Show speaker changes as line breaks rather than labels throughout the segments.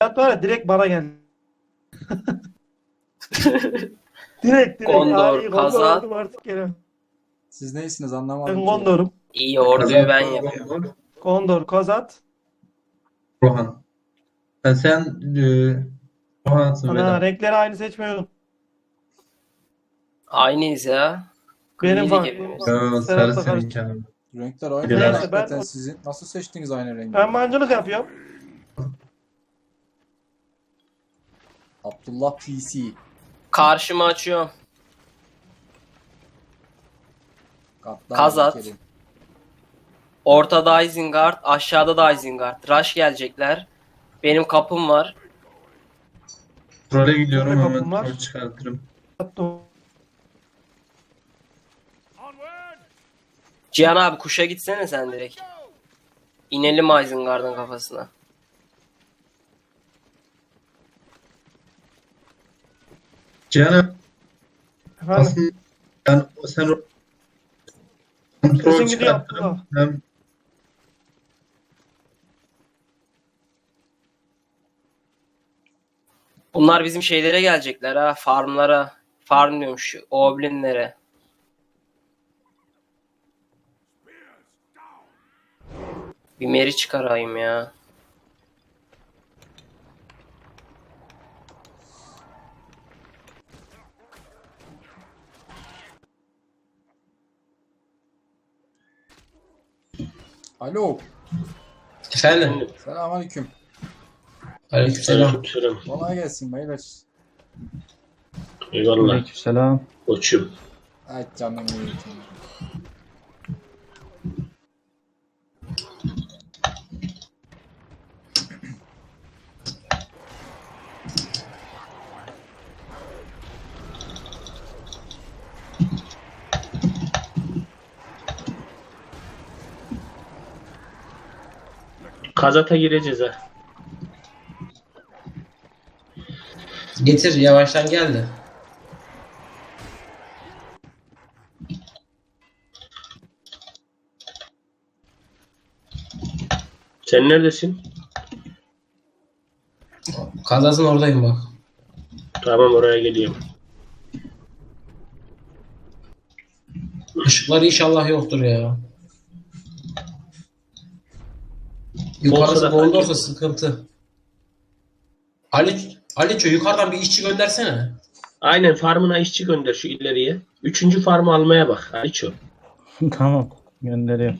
var ya direkt bana geldi. Direkt.
Gondor,
Ay,
Kazan.
oldum artık gene.
Siz neysiniz anlamadım
Ben
ki.
Gondor'um.
İyi orduyu ben yapıyorum.
Gondor, Kozat.
Rohan. Ha, sen Rohan'sın
Ana
Vedat.
renkleri aynı seçmiyorum.
Aynıyız ya.
Benim
Grilik
farkım.
hepimiz.
Sarı
Serhat'la
senin
karıştı.
canım.
Renkler aynı.
Neyse,
Hakikaten
ben-
sizin nasıl seçtiniz aynı rengi?
Ben mancınık yapıyorum.
Abdullah PC.
Karşıma açıyorum.
Gaddar
Kazat.
Kerim.
Ortada Isengard, aşağıda da Isengard. Rush gelecekler. Benim kapım var.
Trole gidiyorum
Burada
hemen
kapım var.
troll çıkartırım.
Cihan abi kuşa gitsene sen direkt. İnelim Isengard'ın kafasına.
Cihan'ım
Efendim.
aslında sen troll
Sesin gidiyor
çıkartırım.
Abdullah.
Hem
Bunlar bizim şeylere gelecekler ha. Farmlara. Farm diyormuş. Oblinlere. Bir meri çıkarayım ya.
Alo.
Efendim.
Selamünaleyküm.
Aleykümselam.
Kolay gelsin beyler.
Eyvallah.
Aleykümselam.
Koçum.
Ay canım iyi.
Kazata gireceğiz ha.
Getir yavaştan geldi.
Sen neredesin?
Kazasın oradayım bak.
Tamam oraya geliyorum.
Işıkları inşallah yoktur ya. Yukarısı
Olsa da
Gondor'sa
fark
sıkıntı. Aliço yukarıdan bir işçi göndersene.
Aynen farmına işçi gönder şu ileriye. Üçüncü farmı almaya bak. Aliço.
Tamam, gönderiyorum.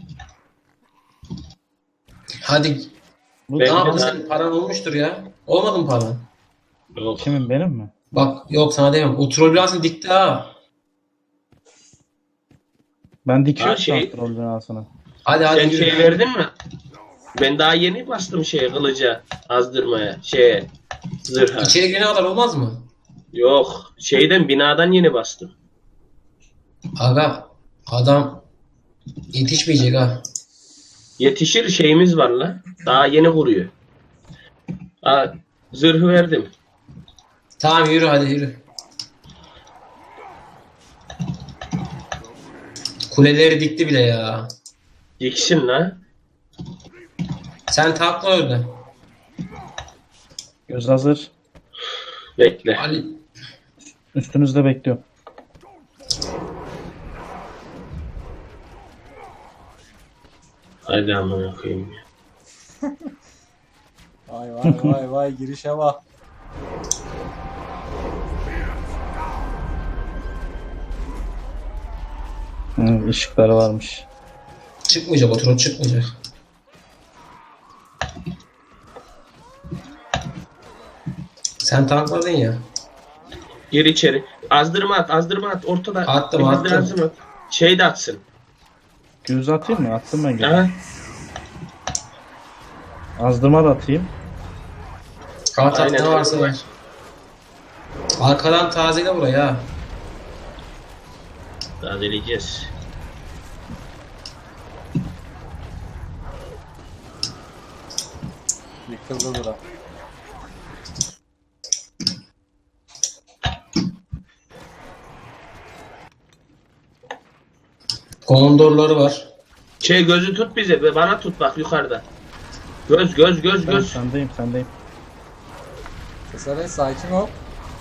Hadi.
Bu
Ne
Ben-
yaptın senin paran olmuştur ya. Olmadı mı paran?
Yok.
kimin, benim mi?
Bak yok sana demem. O troll binasını dikti ha.
Ben dikiyorum
şey-
kontrol binasını.
Hadi hadi
Sen
yürü.
şey verdin mi? Ben daha yeni bastım şeye kılıca. Azdırmaya. Zırha.
İçeri girene kadar olmaz mı?
Yok. Binadan yeni bastım.
Aga adam yetişmeyecek ha.
Yetişir şeyimiz var la. Daha yeni kuruyor. Ha, zırhı verdim.
Tamam yürü hadi yürü. Kuleleri dikti bile ya.
Diksin la.
Sen takla orada.
Göz hazır.
Bekle.
Ali
Üstünüzde bekliyorum.
Hadi amına koyayım.
Vay vay vay vay girişe bak.
Işıkları varmış.
çıkmayacak, o troll çıkmayacak. Sen tankladın ya.
Gir içeri. Azdırma at. Ortada.
Attım,
Biraz
attım.
lazım at. Şey de atsın.
Göz atayım mı? Attım ben göz.
Aha.
Azdırma da atayım.
At
Aynen.
ne varsa ver. Arkadan tazele buraya ha.
Tazeleyeceğiz.
Yıkıldı bura.
Gondorları var.
Gözü tut bize. Bana tut bak yukarıda. Göz.
Ben sendeyim.
Keserek sakin ol.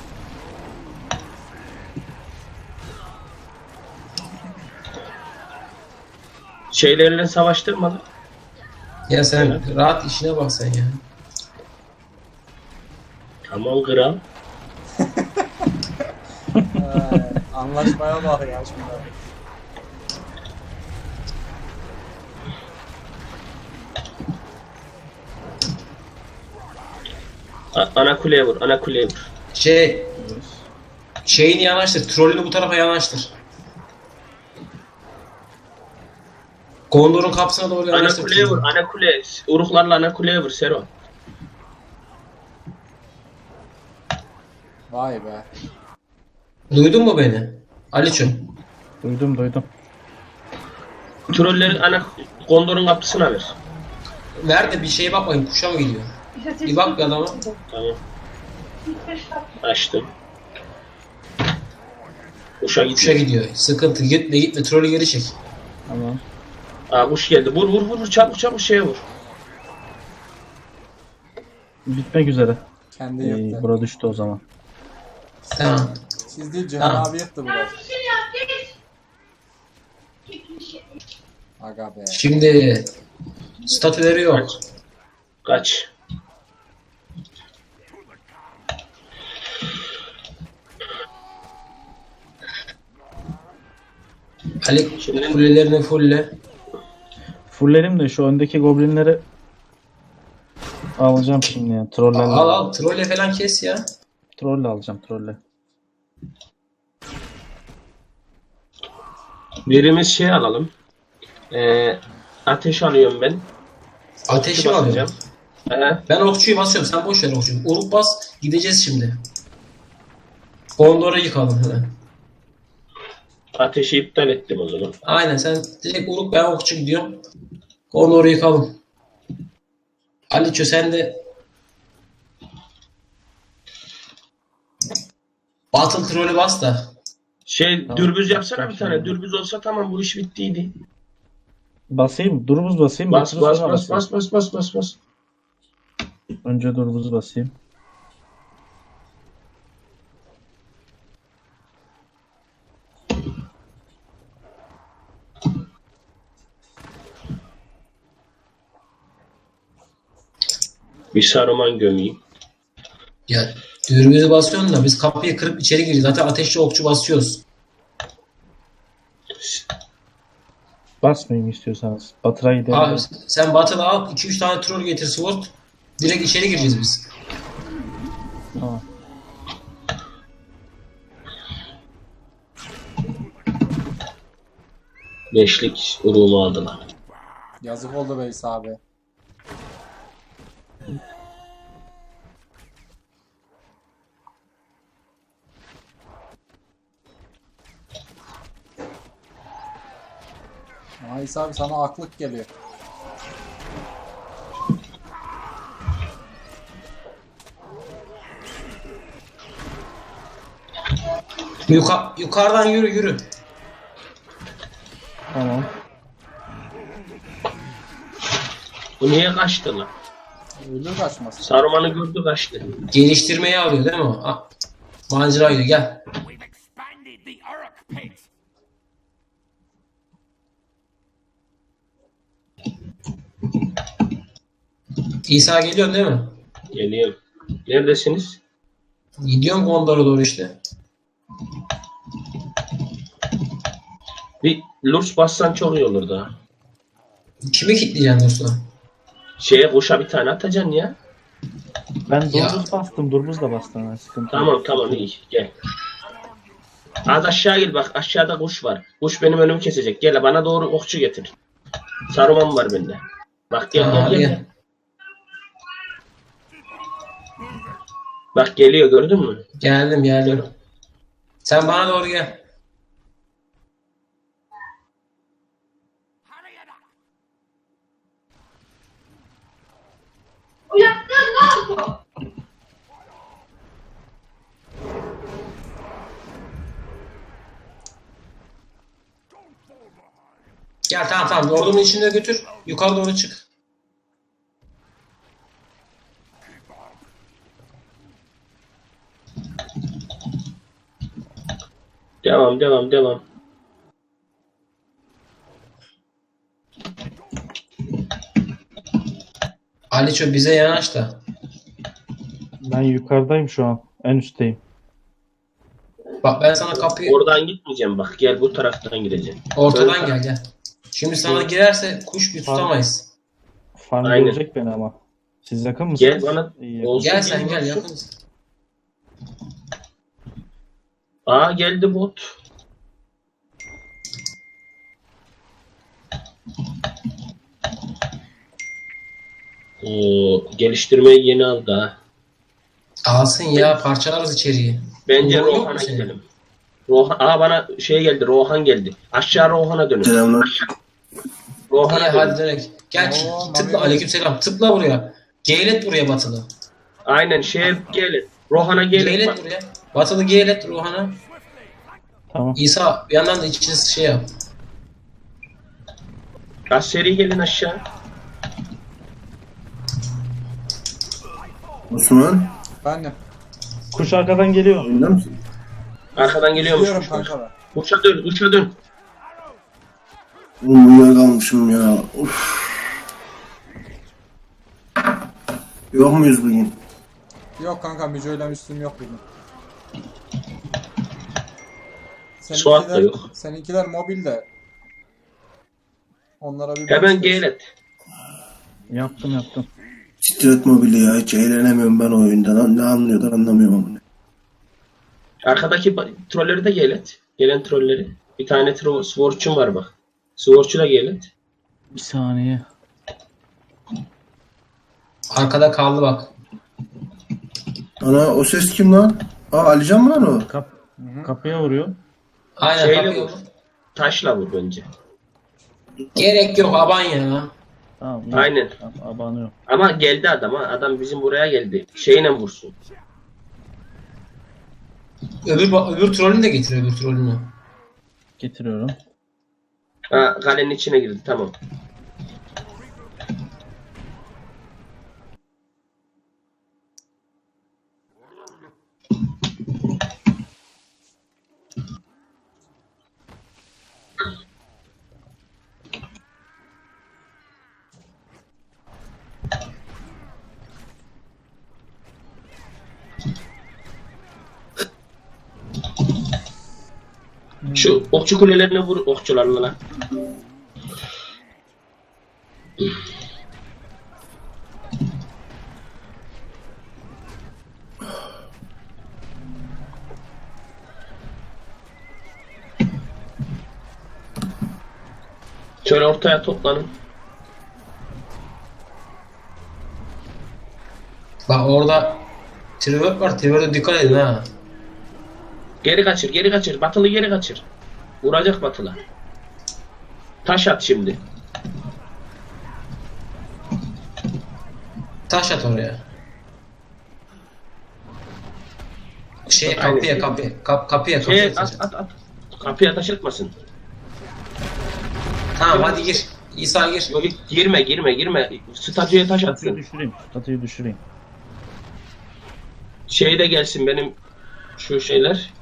Şeylerle savaştırma lan.
Ya sen rahat işine bak sen ya.
Tamam kral.
Anlaşmaya bak ya şimdi.
Ana kuleye vur, ana kuleye vur.
Şeyini yanaştır. Trollünü bu tarafa yanaştır. Gondor'un kapısına doğru
Ana
yanaştır.
kuleye vur, ana kule. Uruklarla ana kuleye vur Sero.
Vay be.
Duydun mu beni? Aliço.
Duydum.
Trolleri ana Gondor'un kapısına ver.
Ver de bir şeye bak bakayım. Kuşa mı gidiyor? Bir bak bir adama.
Tamam. Açtım. Kuşa
Kuşa
gidiyor.
gidiyor. Sıkıntı. Gitme. Trolü geri çek.
Tamam.
Aa kuş geldi. Vur çabuk şeye vur.
Bitmek üzere.
Kendi yıktı.
Bura düştü o zaman.
Tamam.
Siz değil Cihan
Tamam.
abi yıktı burayı. Aga be.
Şimdi statüleri yok.
Kaç.
Ali
Şimdi-
kulelerini fulle.
Fullerim de şu öndeki goblinleri alacağım şimdi ya. Trollerle.
Al. Trolle falan kes ya.
Trolle alacağım trolle.
Birimiz şey alalım. Ateş alıyorum ben.
Ateşi mi
Basacağım.
alacağım? Ben okçuyu basıyorum. Sen boş ver okçuyu. Uruk bas. Gideceğiz şimdi. Gondor'u yıkalım hemen.
Ateşi iptal ettim o zaman.
Aynen sen direkt Uruk ben okçu gidiyorum. Gondor'u yıkalım. Aliço sen de Battle Troll'ü bas da.
Dürbüz yapsana bir tane. Dürbüz olsa tamam bu iş bittiydi.
Basayım. Durbuz basayım.
Bas
yoksa
bas
sonra
bas
basayım?
bas.
Önce durbuzu basayım.
Bir Saruman gömeyim.
Ya dürbüzü basıyorsun da biz kapıyı kırıp içeri gireceğiz. Zaten ateşli okçu basıyoruz.
Basmayayım istiyorsanız. Batıra gidelim.
Abi sen Battle'ı al 2-3 tane troll getir sword. Direkt içeri gireceğiz biz.
Tamam.
Beşlik uruğumu aldılar.
Yazık oldu Veys abi. Veys abi sana aklık geliyor.
Yukarıdan yürü.
Tamam.
Bu niye kaçtı lan?
Ölür kaçmasın.
Saruman'ı gördü kaçtı.
Geliştirmeyi alıyor değil mi o? Macera gidiyor gel.
We've expanded the Uruk pit.
İsa geliyorsun değil mi?
Geliyorum. Neredesiniz?
Gidiyorum Gondor'a doğru işte.
Bir Lurs bassan çok iyi olur da.
Kimi kilitleyeceksin dostum?
Şeye kuşa bir tane atacaksın ya.
Ben
Ya.
durbuz bastım. Durbuz da bastım. Yani sıkıntı yok.
Tamam iyi gel. Az aşağı gel bak aşağıda kuş var. Kuş benim önümü kesecek. Gel bana doğru okçu getir. Saruman var bende. Bak gel
Aa,
gel.
gel.
Bak geliyor gördün mü?
Geldim. Sen bana doğru gel.
Hurry it up.
Gel tamam. Ordunun içinde götür. Yukarı doğru çık.
Devam devam devam.
Aliço bize yanaş da.
Ben yukarıdayım şu an. En üstteyim.
Bak ben sana kapıyı
Oradan gitmeyeceğim bak. Gel bu taraftan gideceğim.
ortadan gel. Şimdi sana girerse kuş bir tutamayız.
Farm
Aynen.
görecek beni ama. Siz yakın mısınız?
Gel bana.
İyi.
Olsun,
Gel sen gel
olsun.
yakınız.
Aa geldi bot. Oo, geliştirmeyi yeni aldı ha.
Alsın ya parçalarız içeriği.
Bence
Yok mu
Rohan'a
senin?
gidelim. Rohan, bana şey geldi. Rohan geldi. Aşağı Rohan'a dönün.
Selamlar.
Rohan'a
İyi
dönün.
hadi direkt. Gel
Oo,
tıkla
Mami.
aleykümselam tıkla buraya. Geylet buraya batılı.
Aynen gelin. Rohan'a gelin.
Geylet
Bak,
buraya. Batılı geylet Ruhan'a.
Tamam.
İsa bir yandan da içiniz şey yap.
az seri gelin aşağı.
Osman.
Bendim.
Kuş arkadan geliyor.
Oyunda mısın?
Arkadan geliyormuş.
Gidiyorum kanka ben.
Uça dön, uça dön.
Oğlum uyuyakalmışım ya. Of. Yok muyuz bugün?
Yok kanka Müco'yla üstüm yok bugün.
Suat da yok.
Seninkiler mobil de. Onlara bir
Hemen
bakacağız.
geylet.
Yaptım.
Titret mobili ya. Hiç eğlenemiyorum ben o oyundan. Ne anlıyorlar anlamıyorum onu.
Arkadaki trolleri de geylet. Gelen trolleri. Bir tane Sworch'un var bak. Sworch'u da geylet.
Bir saniye.
Arkada kaldı bak.
Ana o ses kim lan? Aa Alican mı lan o?
Kapıya vuruyor.
Aynen
Şeyle
kapıyı
vur. Taşla vur bence.
Gerek yok aban ya.
Tamam. iyi.
Aynen.
Abanıyor.
Ama geldi adam ha. Adam bizim buraya geldi. Şeyle vursun.
Öbür trolünü de getir öbür trolünü.
Getiriyorum.
Ha, kalenin içine girdi tamam. Şu okçu kulelerine vur okçularla lan. Şöyle ortaya toplanın.
Bak orada Trevor var. Trevor'a dikkat edin ha.
Geri kaçır, geri kaçır. Batılı geri kaçır. Vuracak batıla. Taş at şimdi.
Taş at oraya.
Aynen.
Kapıya.
At. Kapıya taş atmasın.
Tamam hadi gir. İsa gir.
Yok girme. Statüye taş
Statüyü
atsın.
düşüreyim. Statüyü düşüreyim.
Şey de gelsin benim şu şeyler.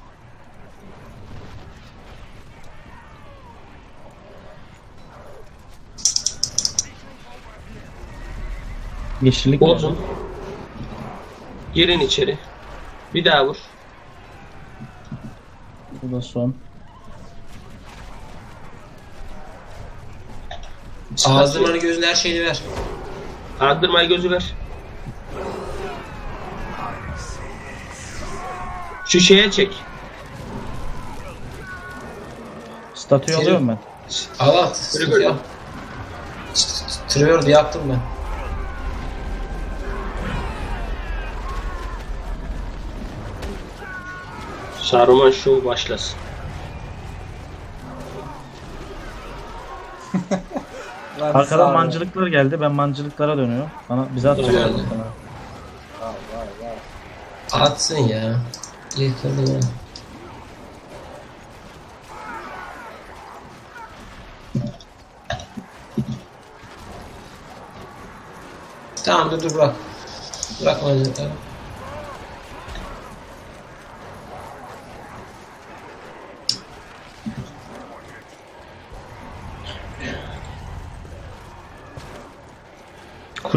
Yeşillik
Bozun. Girin içeri. Bir daha vur.
Bu da son.
Ağzını gözünü her şeyini ver.
Aldırmayı gözü ver. Şu şeye çek.
Statüyü
Senin-
alıyorum ben.
Allah.
Trevor.
Trevor'u yaktım ben.
Saruman Show başlasın.
Lan
Arkadan
sağ ol.
mancılıklar geldi. Ben mancılıklara dönüyorum. Bize atacaklar.
Geldi.
Bana.
Vay.
Atsın ya. Yıkıldı ya. Tamam dur bırak. Bırakma çocukları.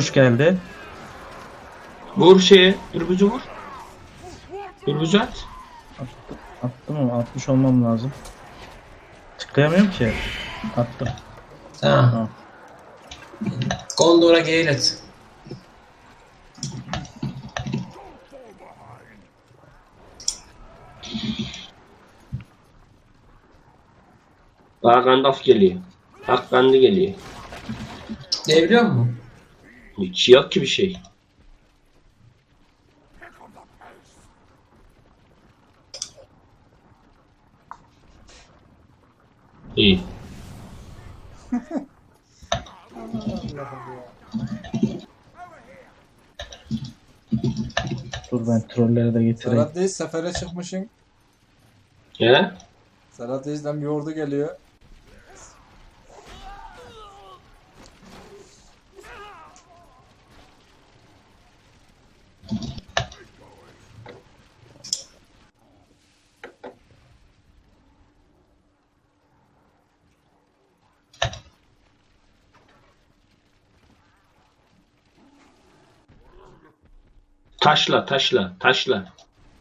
Kuş geldi.
Vur şeye. Dürbüzü vur. Dürbüzü at.
Attım ama 60 olmam lazım. Tıklayamıyorum ki. Attım.
Tamam.
Tamam.
Gondor'a geyil et.
Daha Gandalf geliyor. Hakkandi geliyor.
Ne biliyor musun?
Hiç yok ki bir şey. İyi.
Dur ben trolleri de getireyim.
Serhat Reis sefere çıkmışsın.
He?
Serhat Reis'den bir ordu geliyor.
Taşla, taşla, taşla.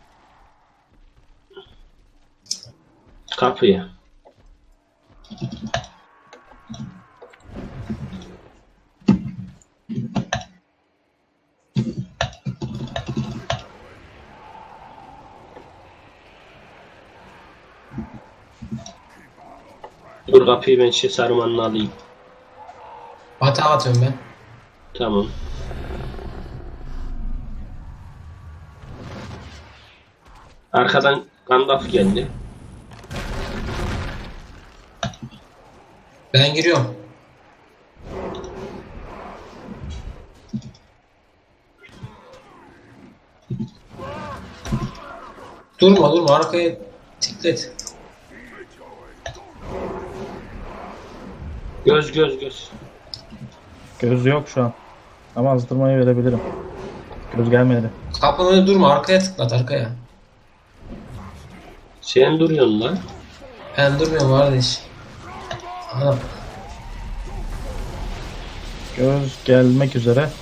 Kapıya. Dur kapıyı ben şey sarmanla alayım.
Hata atıyorum ben.
Tamam. Arkadan Gandalf geldi.
Ben giriyorum. Durma arkaya tiklet.
Göz.
Göz yok şu an. Ama azdırmayı verebilirim. Göz gelmedi.
Kapının önünde durma, arkaya tıklat, arkaya.
Sen duruyorsun lan.
Ben durmuyorum kardeş. Ana,
Göz gelmek üzere.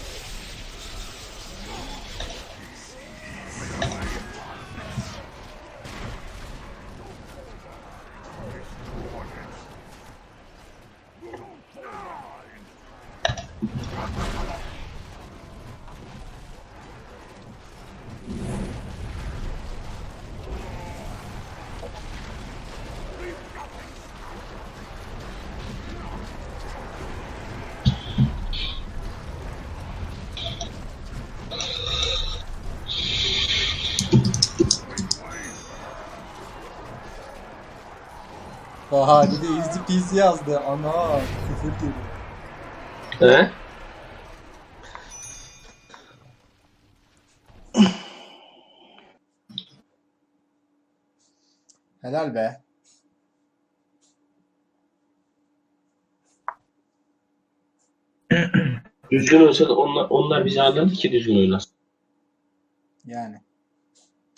Oha bir de easy peasy yazdı. Ana küfür gibi.
He?
Helal be.
Düzgün olsa da onlar bizi alırdı ki düzgün oynasın.
Yani.